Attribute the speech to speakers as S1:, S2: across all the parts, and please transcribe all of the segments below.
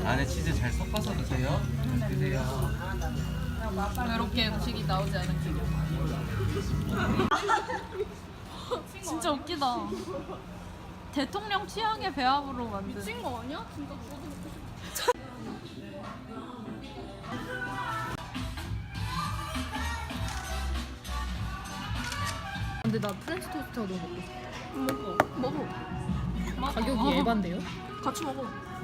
S1: 안에 치즈 잘 섞어서 드세요. 드세요.
S2: 이렇게 음식이 나오지 않은 게 진짜 웃기다. 대통령 취향의 배합으로 만든.
S3: 미친 거 아니야? 진짜 저도 먹고 싶어.
S2: 근데 나 프렌치 토스트가 너무 먹고 싶어.
S3: 먹어.
S2: 가격이 예반데요?
S3: 같이 먹어.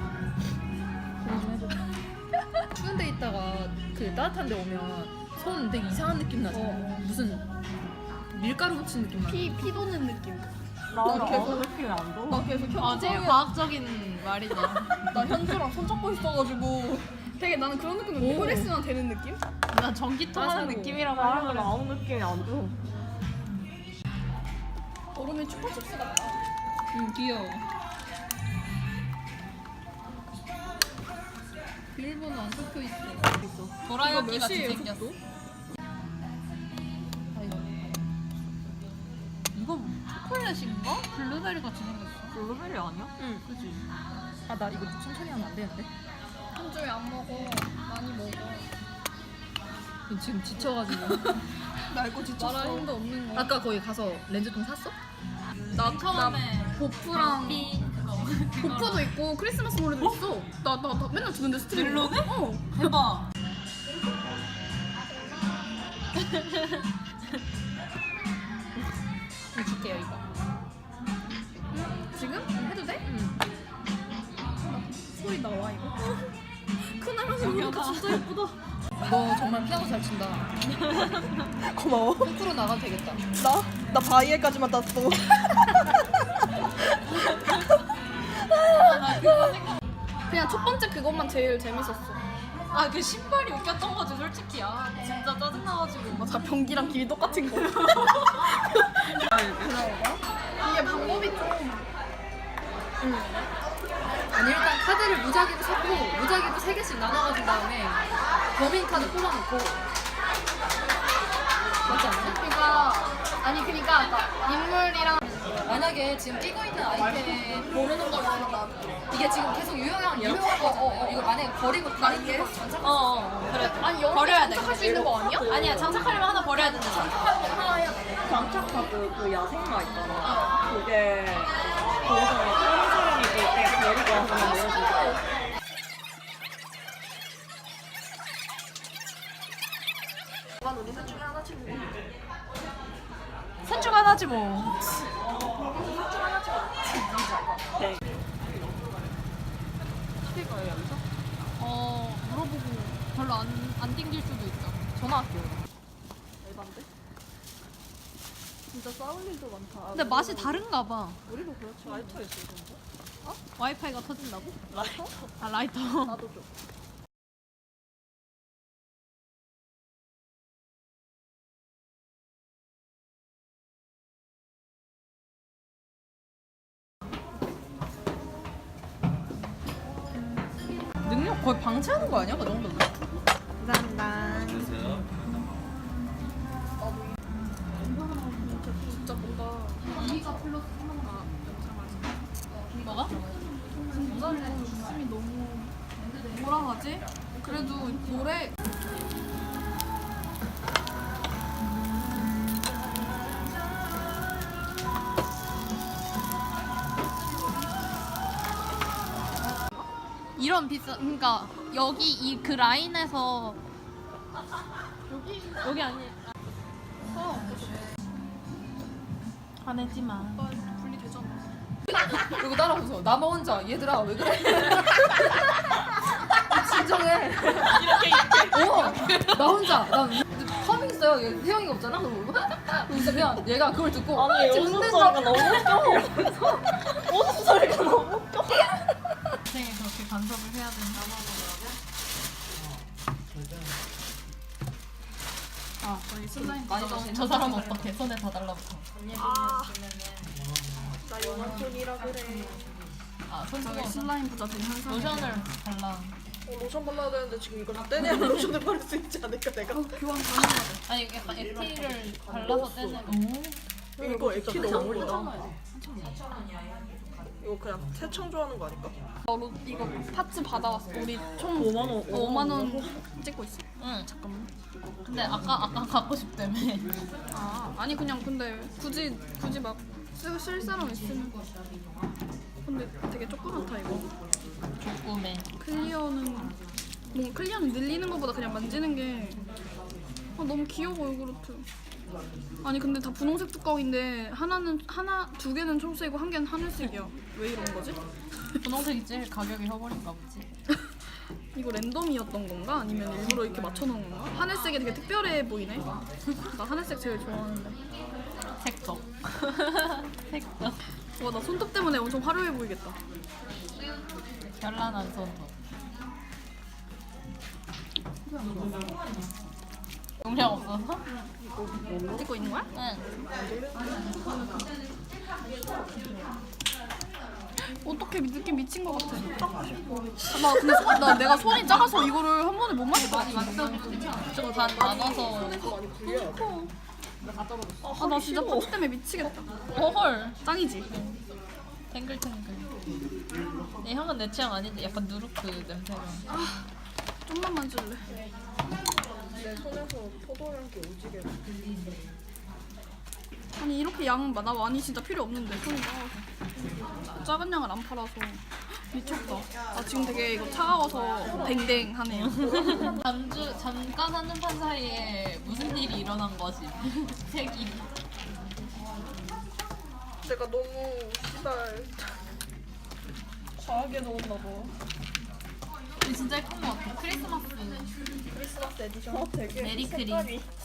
S2: 추운 데 있다가 그 따뜻한 데 오면 손 되게 이상한 느낌 나잖아. 무슨 밀가루 묻힌 느낌 나.
S3: 피 도는 느낌.
S4: 나 계속 느낌이 안 나.
S3: 나 계속
S2: 제일
S3: 현주랑
S2: 과학적인 말이다.
S3: 나 현주랑 손잡고 있어가지고 되게 나는 그런 느낌인데
S2: 오.
S3: 혈액순환 되는 느낌?
S2: 나 전기 통하는
S4: 나
S2: 느낌이라고
S4: 나는
S2: 하는
S4: 아무 느낌이 안 줘.
S3: 얼음이 추파춥스 같다.
S2: 귀여워. 비밀번호 안 적혀 있어. 도라야끼 같이 생겼어. 이거 초콜릿인가? 블루베리 같이 생겼어.
S4: 블루베리 아니야?
S2: 응, 그지. 아, 나 이거 천천히 하면 안 되는데?
S3: 현주에 안 먹어. 많이 먹어.
S2: 지금 지쳐가지고.
S3: 나 이거 지쳤어. 말할 힘도 없는 거.
S2: 아까 거기 가서 렌즈통 샀어?
S3: 나 보프랑 보프도 있고 크리스마스 노래도 있어. 나 맨날 듣는데 스트리밍.
S2: 멜로디?
S3: 어.
S2: 대박. 이거 줄게요, 이거.
S3: 지금? 해도 돼?
S2: 응.
S3: 소리 나와 이거. 큰아랑이 보니까 진짜 예쁘다.
S2: 너 정말 피아노 잘 친다.
S4: 고마워.
S2: 콩쿠르 나가도 되겠다.
S4: 나 바이에까지만 땄어.
S3: 그냥 첫 번째 그것만 제일 재밌었어.
S2: 아, 그 신발이 웃겼던 거지, 솔직히. 아, 진짜 짜증나가지고.
S3: 맞아, 변기랑 길이 똑같은 거. 이게 방법이 좀.
S2: 아니, 일단 카드를 무작위로 섞고, 무작위로 3개씩 나눠가진 다음에, 범인 카드 뽑아놓고. 맞지 않나?
S3: 그러니까 인물이랑
S2: 만약에 지금 끼고 있는 아이템 모르는 걸로 이게 지금 계속 유용한 거잖아요. 이거 만약에 버리고 다른 게 그래.
S3: 아니 여기
S2: 버려야 돼.
S3: 장착할 수 있는 거 아니야?
S2: 아니야, 장착하려면 하나 버려야 된다.
S4: 장착카드 그 야생마 있잖아. 그게 거기서 다른 사람이 그 내가 버리고 와서 내려주고. 난 우리 셋 중에 하나 친구.
S2: 셋 중 하나지 뭐.
S4: 네.
S3: 스피커에 여기서? 물어보고 별로 안 땡길 수도 있잖아.
S2: 전화할게요.
S4: 에반데? 진짜 싸울 일도 많다.
S2: 근데 맛이 다른가 봐.
S4: 우리도 그렇지. 라이터 있을 텐데.
S2: 와이파이가 터진다고?
S4: 라이터?
S2: 아, 라이터.
S4: 나도 줘.
S2: 능력 거의 방치하는 거 아니야? 그 정도면?
S4: 감사합니다.
S1: 됐어요.
S3: 진짜 뭔가 이가 플러스 하나가
S2: 뭐가?
S3: 모자를 웃음이 너무 뭐라 하지? 그래도 노래
S2: 이런 비싼, 그러니까 여기 이 그 라인에서 여기 아니. 화내지 마.
S3: 분리되잖아.
S2: 그리고 따라오면서 나만 혼자 얘들아 왜 그래? 진정해. 이렇게. 나 혼자 나 커밍 있어요. 얘 태영이가 없잖아. 그러면 얘가 그걸 듣고
S4: 아니
S2: 지금
S4: 웃음
S2: 흔든다.
S4: 소리가 너무 웃겨. 웃음 소리가 너무 웃겨.
S2: 인생에 그렇게 간섭을 해야 된다.
S3: 아, 저희 슬라임
S2: 저 사람 어떻게 손에 다 달라붙어.
S4: 나 영화촌이라 그래.
S2: 아, 손
S3: 저희
S2: 뜨거워.
S3: 슬라임 부자 된 현상.
S2: 로션을 발라.
S4: 로션 발라야 되는데 지금 이걸 다 떼내야 로션을 바를 수 있지 않을까 내가.
S3: 교환 가능하다.
S2: 아니 약간 액티를 발라서 떼는. 오.
S4: 이거 액티 너무 멀다.
S5: 이거 그냥 새창조하는 거 아닐까?
S3: 너로 이거 파츠 받아왔어. 우리 총
S4: 5만 원.
S3: 5만 원 찍고 있어.
S2: 응.
S3: 잠깐만.
S2: 근데 아까 갖고 싶다며.
S3: 아 아니 그냥 근데 굳이 막 쓸 사람 있으면. 근데 되게 조그맣다 이거.
S2: 꿈에.
S3: 클리어는 늘리는 것보다 그냥 만지는 게 너무 귀여워 요구르트. 아니 근데 다 분홍색 뚜껑인데 두 개는 초록색이고 한 개는 하늘색이야. 왜 이런 거지?
S2: 분홍색이 제일 가격이 허벌인가 보지.
S3: 이거 랜덤이었던 건가? 아니면 일부러 이렇게 맞춰놓은 건가? 하늘색이 되게 특별해 보이네. 나 하늘색 제일 좋아하는데.
S2: 색적. 색적.
S3: 와 나 손톱 때문에 엄청 화려해 보이겠다.
S2: 결란한 손톱. 용량 없어서?
S3: 찍고 있는 거야?
S2: 응.
S3: 어떻게 느낌 미친 것 같아. 나 근데 내가 손이 작아서 이거를 한 번에 못 마실 것 같아.
S2: 좀반 나눠서.
S3: 아 나 진짜 파츠 때문에 미치겠다.
S2: 헐.
S3: 짱이지?
S2: 탱글탱글. 이 향은 내 취향 아닌데 약간 누르크 냄새가.
S3: 좀만 만질래.
S5: 내 손에서 포도향기 오지게.
S3: 아니 이렇게 양 나 많이 진짜 필요 없는데 손이 작아서. 작은 양을 안 팔아서 미쳤다. 아 지금 되게 이거 차가워서 댕댕하네요.
S2: 잠깐 한눈판 사이에 무슨 일이 일어난 거지? 색이.
S5: 내가 너무 씨발 과하게 넣었나 봐.
S2: 근데 진짜 예쁜 것 같아. 크리스마스
S5: 크리스마스 에디션. 되게
S2: 메리 크리.
S5: 색깔이